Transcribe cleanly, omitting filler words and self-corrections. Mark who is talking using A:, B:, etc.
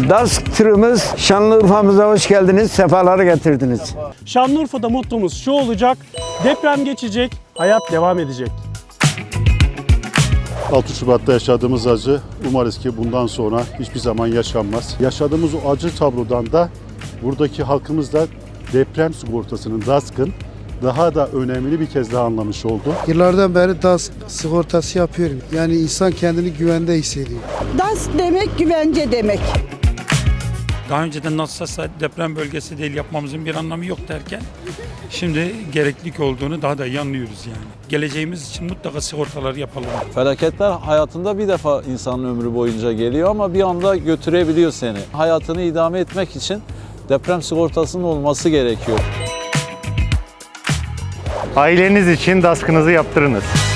A: DASK tırımız Şanlıurfa'mıza hoş geldiniz, sefaları getirdiniz.
B: Şanlıurfa'da mottomuz şu olacak: deprem geçecek, hayat devam edecek.
C: 6 Şubat'ta yaşadığımız acı umarız ki bundan sonra hiçbir zaman yaşanmaz. Yaşadığımız o acı tablodan da buradaki halkımız da deprem sigortasının, DASK'ın daha da önemli bir kez daha anlamış oldu.
D: Yıllardan beri DASK sigortası yapıyorum. Yani insan kendini güvende hissediyor.
E: DASK demek güvence demek.
F: Daha önceden nasılsa deprem bölgesi değil yapmamızın bir anlamı yok derken şimdi gereklilik olduğunu daha da iyi anlıyoruz yani. Geleceğimiz için mutlaka sigortalar yapalım.
G: Felaketler hayatında bir defa insanın ömrü boyunca geliyor ama bir anda götürebiliyor seni. Hayatını idame etmek için deprem sigortasının olması gerekiyor.
H: Aileniz için DASK'ınızı yaptırınız.